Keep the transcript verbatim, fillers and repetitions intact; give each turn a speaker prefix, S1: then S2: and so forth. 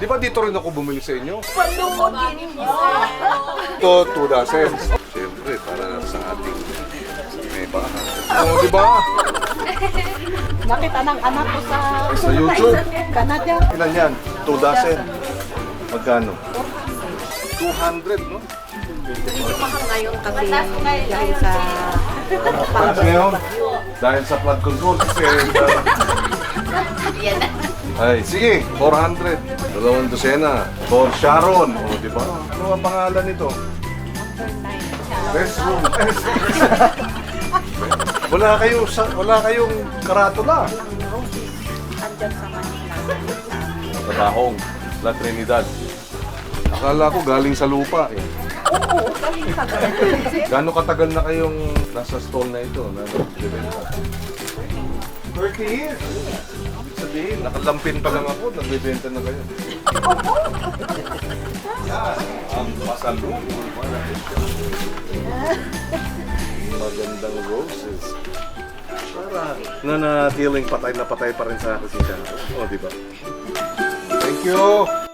S1: Di ba dito rin ako bumili sa inyo?
S2: Palungkot mo.
S1: Ito, two dozens. Siyempre, para sa ating may bahay. Oo, di ba?
S3: Nakita ng anak ko sa
S1: Sa YouTube.
S3: Canada.
S1: Ilan yan? Two dozen. Magkano? two hundred, no?
S3: Mahal ngayon kasi dahil sa
S1: Panas ngayon. Dahil sa flood control. Kasi,
S2: Yan na.
S1: ay, sige, four hundred. Dalawang dosena. For Sharon. O, di ba? Ano ang pangalan nito? Restroom. Wala kayong, sa- wala kayong karatula.
S3: andyan sa Manila.
S1: Sa Tahong, La Trinidad. Akala ko galing sa lupa eh.
S3: Oo, galing sa
S1: Gano'ng katagal na kayong nasa stall na ito? Na nagbibenta? thirty years! Ibig sabihin, nakalampin pa lang ako, nagbibenta na kayo. Yan, ang pasalubong. Magandang roses. Para nanatiling patay na patay pa rin sa akin si Sharon. O, di ba? Thank you!